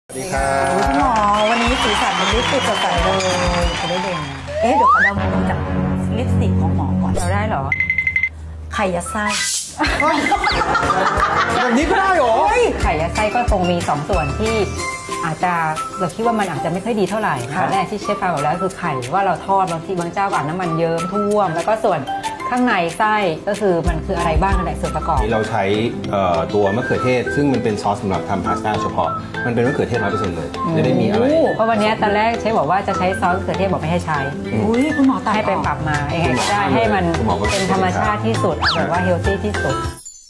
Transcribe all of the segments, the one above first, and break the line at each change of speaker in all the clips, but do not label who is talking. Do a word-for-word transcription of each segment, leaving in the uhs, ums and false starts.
สวัสดีครับ
คุณหมอวันนี้สีสันมันลิปสติกสดใสเลยจะได้เด่นเอ๊ะเดี๋ยวขอเดาเมนูจากลิปสติกของหมอก่อนเราได้เหรอไข่ยัดไส้
แบบนี้ก็ได้เหรอ
ไข่ยัดไส้ก็คงมีสองส่วนที่อาจจะเราคิดว่ามันอาจจะไม่ค่อยดีเท่าไหร่ตอนแรกที่เชฟฟางบอกแล้วคือไข่ว่าเราทอดบางทีบางเจ้าก็อาบน้ำมันเยิ้มท่วมแล้วก็ส่วนข้างในไส้ก็คือมันคืออะไรบ้างนั่นแหละส่วนประกอบ
นี่เราใช้เอ่อตัวมะเขือเทศซึ่งมันเป็นซอสสำหรับทำพาสต้าเฉพาะมันเป็นมะเขือเทศร้อยเปอร์เซ็นต์เลยไม่ได้มีอะไร
เพราะวันนี้ตอนแรกเชฟบอกว่าจะใช้ซอสมะเขือเทศบอกไม่ให้ใช้
อุ้ยคุณหมอตัด
ให้ไปปรับมายังไงก็ได้ให้มันเป็นธรรมชาติที่สุดแบบว่าเฮลตี้ที่สุด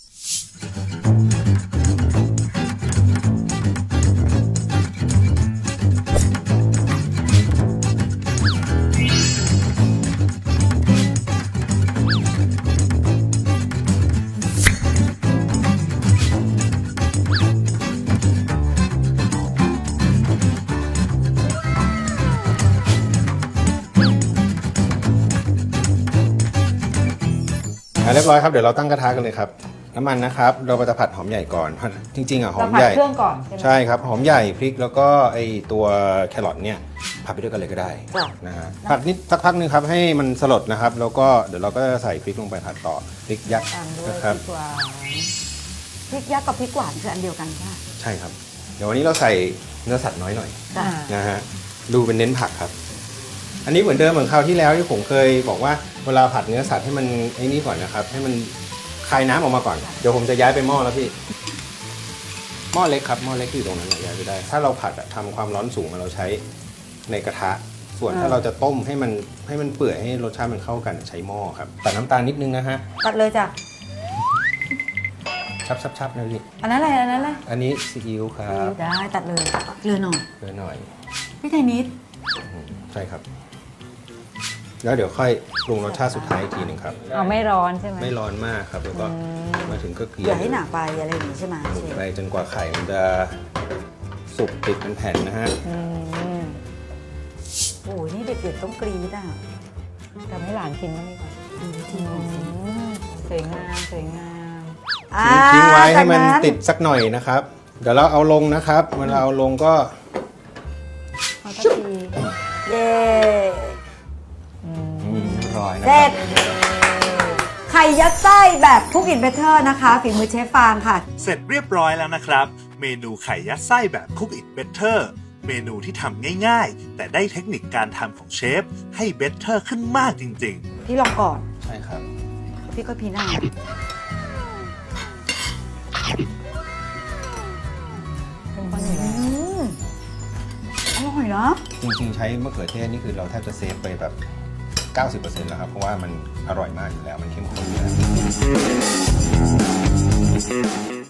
เรียบร้อยครับเดี๋ยวเราตั้งกระทะกันเลยครับน้ำมันนะครับเราจะผัดหอมใหญ่ก่อนผัดจริงๆอ่ะหอ
เรา
ม
ผัด
ใหญ่
เครื่องก่อนใช่ไหม
ใช่ครับหอมใหญ่พริกแล้วก็ไอตัวแครอทเนี่ยผัดไปด้วยกันเลยก็ได้นะฮะผัดนิดสักพักนึงครับให้มันสลดนะครับแล้วก็เดี๋ยวเราก็จะใส่พริกลงไปผัดต่อพริกยักษ์
ตามด้วย
นะครับ
พริกหวาน
พริกยักษ์กับพริกหวานคืออันเดียวกันใช่ไหม
ใช่ครับเดี๋ยววันนี้เราใส่เนื้อสัตว์น้อยหน่อย
จ้ะ
นะฮะดูเป็นเน้นผักครับอันนี้เหมือนเดิมเหมือนคราวที่แล้วที่ผมเคยบอกว่าเวลาผัดเนื้อสัตว์ให้มันไอ้นี่ก่อนนะครับให้มันคายน้ำออกมาก่อนเดี๋ยวผมจะย้ายไปหม้อแล้วพี่หม้อเล็กครับหม้อเล็กที่อยู่ตรงนั้นย้ายไปได้ถ้าเราผัดอะทำความร้อนสูงเราใช้ในกระทะส่วนถ้าเราจะต้มให้มันให้มันเปื่อยให้รสชาติมันเข้ากันใช้หม้อครับตัดน้ำตาลนิดนึงนะฮะ
ตัดเลยจ้ะ
ชับชับชับนะพี่
อันนั้นอะไรอันนั้นอะไร
อันนี้ซีอิ๊วครับ
ได้ตัดเลยเกลือหน่อย
เกลือหน่อย
พี่ไทยนิด
อืมใช่ครับแล้วเดี๋ยวค่อยปรุงรสชาติสุดท้ายอีกทีหนึ่งครับ
เอาไม่ร้อนใช่ไหม
ไม่ร้อนมากครับแล้วก็มาถึงก็เกลี่
อย่าให้หนาไปอะไรอย่างนี้ใช่ไหม
หมุน
เชฟ
ไปจนกว่าไข่มันจะสุกติดเป็นแผ่นนะฮะ
อืม
โอ้ยนี่เด็กๆต้องกรี๊ดอ่ะ
ทำให้หลานกินบ้างดีกว่า
ดูวิธีหน่อยสิ
อืมสวยงามสวยงาม
อ่า
ทิ้งไว้ให้มัน
จาก
ติดสักหน่อยนะครับ เดี๋ยวเราเอาลงนะครับเวลาเอาลงก็
เอาสักที
เย้
อืม
อืมเรียบร้อยนะ
เส
ค
ร็
รับ
จไข่ยัดไส้แบบคุกอินเบเตอร์นะคะฝีมือเชฟฟางค่ะ
เสร็จเรียบร้อยแล้วนะครับ เมนูไข่ยัดไส้แบบ Cook It Better เมนูที่ทำง่ายๆ แต่ได้เทคนิคการทำของเชฟให้ better ขึ้นมากจริงๆ
พี่ลองก่อน
ใช่ครับ
พี่ก็พีหน้า
เป็นคนอยู่
อื
แล้ว
มอร่อยนะ
จริงๆใช้มะเขือเทศนี่คือเราแทบจะเซฟไปแบบ เก้าสิบเปอร์เซ็นต์ แล้วครับเพราะว่ามันอร่อยมากอยู่แล้วมันเข้มข้นอยู่แล้ว